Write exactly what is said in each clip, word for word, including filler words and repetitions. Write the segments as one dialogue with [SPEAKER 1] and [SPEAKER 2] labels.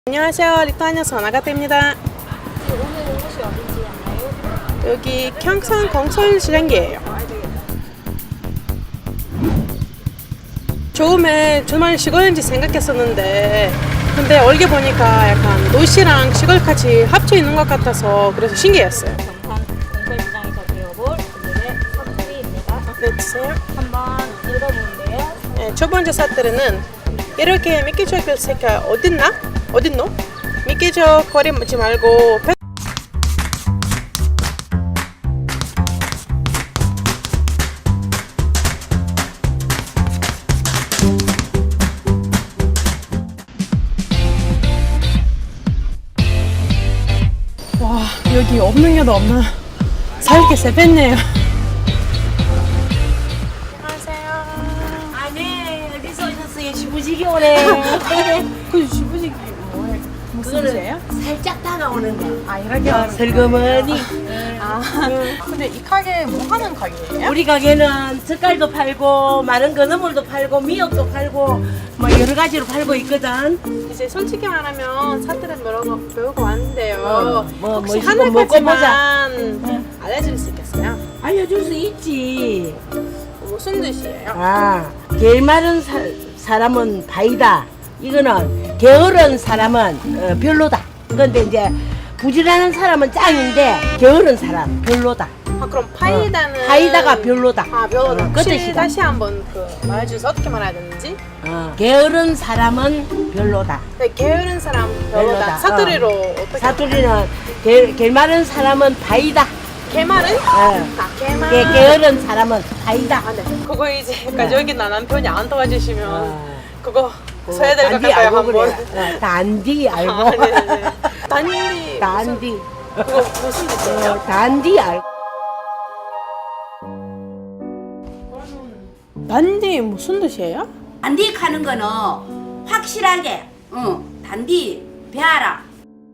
[SPEAKER 1] 안녕하세요. 리투아니아 선아가트입니다.
[SPEAKER 2] 오늘 곳이 어딘지 알아요?
[SPEAKER 1] 여기 경산 공설시장기예요. 처음에 정말 시골인지 생각했었는데 근데 얼게 보니까 약간 도시랑 시골까지 합쳐 있는 것 같아서 그래서 신기했어요.
[SPEAKER 2] 경산 공설시장에서 배워볼 오늘의 사투리입니다.
[SPEAKER 1] 네, 주세요.
[SPEAKER 2] 한번 읽어보는데요.
[SPEAKER 1] 네, 첫 번째 사투리는 이렇게 미끼적 새끼가 어딨나? 어딨노? 미끼적 거리 묻지 말고 펜... 와, 여기 없는 게도 없나? 살게 세뱃네요.
[SPEAKER 3] 아, 네. 어디서 오셨어요? 시부지기 오네.
[SPEAKER 1] 그 시부지 뭐예요? 무슨
[SPEAKER 3] 그거는
[SPEAKER 1] 뜻이에요?
[SPEAKER 3] 살짝 다가오는 거.
[SPEAKER 1] 아, 이렇게
[SPEAKER 3] 어,
[SPEAKER 1] 하는 거.
[SPEAKER 3] 슬그머니.
[SPEAKER 1] 아, 근데 이 가게 뭐 하는 가게예요?
[SPEAKER 3] 우리 가게는 젓갈도 팔고, 마른 건어물도 팔고, 미역도 팔고, 뭐 여러 가지로 팔고 있거든.
[SPEAKER 1] 이제 솔직히 말하면 사투리 여러 거 배우고 왔는데요.
[SPEAKER 3] 어, 뭐,
[SPEAKER 1] 혹시
[SPEAKER 3] 뭐 이거 먹고
[SPEAKER 1] 하나까지만 알려줄 수 있겠어요?
[SPEAKER 3] 알려줄 수 있지.
[SPEAKER 1] 무슨 뜻이에요?
[SPEAKER 3] 아, 게을 마른 사, 사람은 바이다. 이거는 게으른 사람은 어, 별로다. 그런데 이제 부지런한 사람은 짱인데 게으른 사람 별로다.
[SPEAKER 1] 아, 그럼 파이다는
[SPEAKER 3] 어, 파이다가 별로다.
[SPEAKER 1] 아, 별로다.
[SPEAKER 3] 어, 그
[SPEAKER 1] 혹시
[SPEAKER 3] 뜻이다.
[SPEAKER 1] 다시 한번 그 말해주세요. 어떻게 말해야 되는지?
[SPEAKER 3] 어, 게으른 사람은 별로다.
[SPEAKER 1] 네, 게으른 사람 별로다.
[SPEAKER 3] 별로다.
[SPEAKER 1] 사투리로 어. 떻게
[SPEAKER 3] 사투리는 게, 게 마른 사람은 바이다.
[SPEAKER 1] 개말은?
[SPEAKER 3] 어.
[SPEAKER 1] 아, 개말.
[SPEAKER 3] 게, 게으른 사람은 바이다.
[SPEAKER 1] 아, 네. 그거 이제
[SPEAKER 3] 네.
[SPEAKER 1] 여기 나 남편이 안 도와주시면
[SPEAKER 3] 어.
[SPEAKER 1] 그거 써야 될 것
[SPEAKER 3] 단디
[SPEAKER 1] 같아요,
[SPEAKER 3] 알고
[SPEAKER 1] 한번.
[SPEAKER 3] 그래. 어, 단디 알고.
[SPEAKER 1] 아, 네네네. 단디.
[SPEAKER 3] 단디.
[SPEAKER 1] 그거 무슨 뜻이에요?
[SPEAKER 3] 어, 단디 알고.
[SPEAKER 1] 단디 무슨 뜻이에요?
[SPEAKER 4] 단디 가는 거는 확실하게 응, 단디 배하라.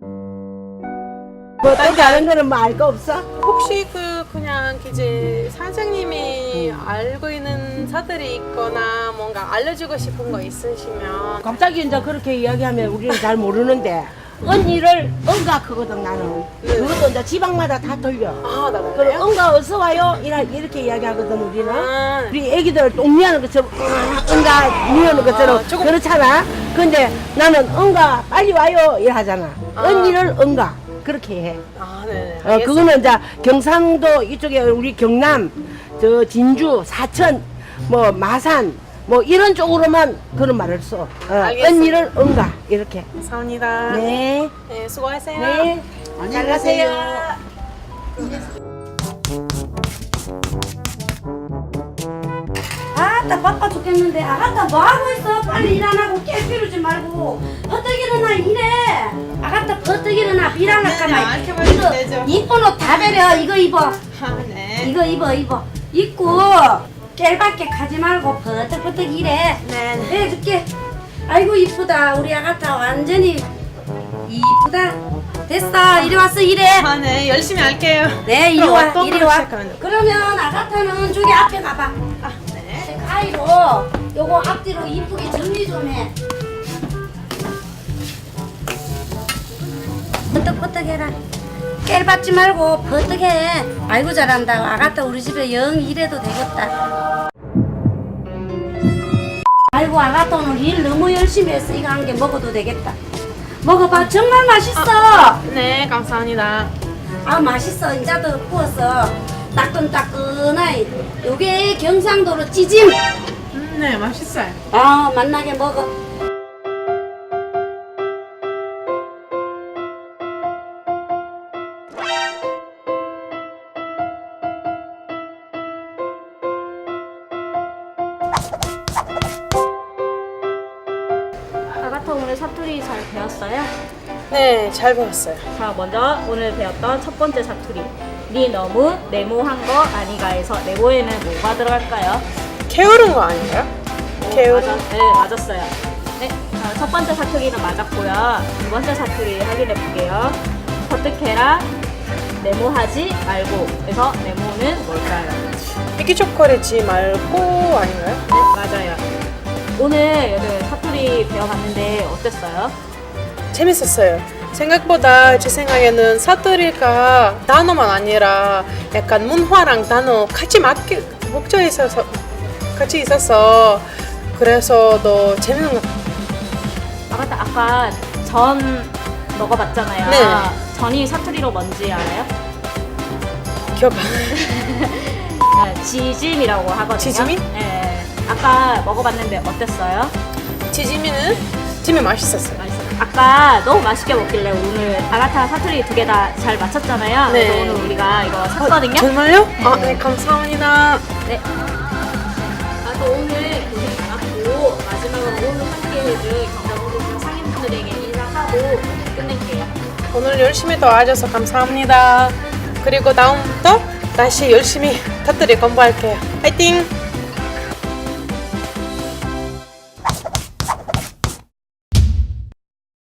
[SPEAKER 3] 뭐 또 다른 거는 뭐 알 거 없어?
[SPEAKER 1] 혹시 그 그냥 이제 사장님이 알고 있는 사들이 있거나 뭔가 알려주고 싶은 거 있으시면
[SPEAKER 3] 갑자기 이제 그렇게 이야기하면 우리는 잘 모르는데 언니를 응가하거든 나는.
[SPEAKER 1] 네.
[SPEAKER 3] 그것도 이제 지방마다 다 틀려.
[SPEAKER 1] 아, 나
[SPEAKER 3] 그럼
[SPEAKER 1] 그래요?
[SPEAKER 3] 응가 어서 와요 이라 이렇게 이야기하거든 우리는.
[SPEAKER 1] 아,
[SPEAKER 3] 우리 애기들 똥미하는 것처럼 응, 응가 미우는 것처럼
[SPEAKER 1] 아, 조금-
[SPEAKER 3] 그렇잖아. 근데 나는 응가 빨리 와요 이래 하잖아.
[SPEAKER 1] 아.
[SPEAKER 3] 언니를 응가 그렇게 해.
[SPEAKER 1] 아, 네네.
[SPEAKER 3] 어, 그거는 이제 경상도 이쪽에 우리 경남, 저 진주, 사천, 뭐 마산, 뭐 이런 쪽으로만 그런 말을 써. 어,
[SPEAKER 1] 알겠습니다.
[SPEAKER 3] 언니를 응가 이렇게.
[SPEAKER 1] 감사합니다.
[SPEAKER 3] 네,
[SPEAKER 1] 네, 수고하세요.
[SPEAKER 3] 네. 잘 가세요.
[SPEAKER 4] 아따 바빠 죽겠는데 아가따 뭐하고 있어? 빨리 일 안 하고 깨 피우지 말고 버뜩 일어나 일해. 아가따 버뜩 일어나 일 안 할까
[SPEAKER 1] 네, 네,
[SPEAKER 4] 말.
[SPEAKER 1] 이렇게 말해도 되죠.
[SPEAKER 4] 이쁜 옷 다 베려. 이거 입어.
[SPEAKER 1] 아, 네.
[SPEAKER 4] 이거 입어 입어. 입고 깰밖에 가지 말고 버뜩버뜩 일해.
[SPEAKER 1] 네, 네.
[SPEAKER 4] 해줄게. 아이고 이쁘다. 우리 아가따 완전히 이쁘다. 됐어. 이리 왔어 일해.
[SPEAKER 1] 아, 네. 열심히 할게요.
[SPEAKER 4] 네, 이리
[SPEAKER 1] 그럼
[SPEAKER 4] 와,
[SPEAKER 1] 어떤
[SPEAKER 4] 이리
[SPEAKER 1] 걸로
[SPEAKER 4] 와.
[SPEAKER 1] 시작하면 돼요?
[SPEAKER 4] 그러면 아가타는 저기 앞에 가봐.
[SPEAKER 1] 아, 네.
[SPEAKER 4] 가위로 요거 앞뒤로 이쁘게 정리 좀 해. 버떡버떡 해라. 깨를 받지 말고 버떡 해. 아이고 잘한다. 아가타 우리 집에 영 일해도 되겠다. 아이고 아가타 오늘 일 너무 열심히 했어. 이거 한 개 먹어도 되겠다. 먹어봐. 정말 맛있어.
[SPEAKER 1] 네, 감사합니다.
[SPEAKER 4] 아 맛있어. 인자도 구웠어. 따끈따끈하이. 요게 경상도로 찌짐.
[SPEAKER 1] 음, 네, 맛있어요.
[SPEAKER 4] 아 맛나게 먹어.
[SPEAKER 2] 아가타 오늘 사투리 잘 배웠어요?
[SPEAKER 1] 네, 잘 배웠어요.
[SPEAKER 2] 자, 먼저 오늘 배웠던 첫 번째 사투리. 니 너무 네모한 거 아니가에서 네모에는 뭐가 들어갈까요?
[SPEAKER 1] 게으른 거 아닌가요? 게으른.
[SPEAKER 2] 맞아, 네, 맞았어요. 네, 자, 첫 번째 사투리는 맞았고요. 두 번째 사투리 확인해 볼게요. 버뜩해라, 네모하지 말고. 그래서 네모는 뭘까요?
[SPEAKER 1] 미끼초콜릿지 말고 아닌가요?
[SPEAKER 2] 네, 맞아요. 오늘 여러분 사투리 배워봤는데 어땠어요?
[SPEAKER 1] 재밌었어요. 생각보다 제 생각에는 사투리가 단어만 아니라 약간 문화랑 단어 같이 맞게 목적에 있어서 같이 있어서 그래서 더 재밌는 것 같아요.
[SPEAKER 2] 아 맞다 아까 전 먹어봤잖아요.
[SPEAKER 1] 네.
[SPEAKER 2] 전이 사투리로 뭔지 알아요?
[SPEAKER 1] 기억 안 나요.
[SPEAKER 2] 네, 지짐이라고 하거든요.
[SPEAKER 1] 지짐이?
[SPEAKER 2] 네. 아까 먹어봤는데 어땠어요?
[SPEAKER 1] 지짐이는 찜이 맛있었어요.
[SPEAKER 2] 맛있어요. 아까 너무 맛있게 먹길래 오늘 아가타 사투리 두 개 다 잘 맞췄잖아요.
[SPEAKER 1] 네.
[SPEAKER 2] 그래서 오늘 우리가 이거 샀거든요.
[SPEAKER 1] 정말요? 아, 네, 감사합니다.
[SPEAKER 2] 네. 아, 또 오늘 고생 많았고 마지막으로 오늘 함께 해준 경상도청 상인분들에게 인사하고 끝낼게요.
[SPEAKER 1] 오늘 열심히 도와줘서 감사합니다. 그리고 다음부터 다시 열심히 터뜨리 공부할게요. 화이팅!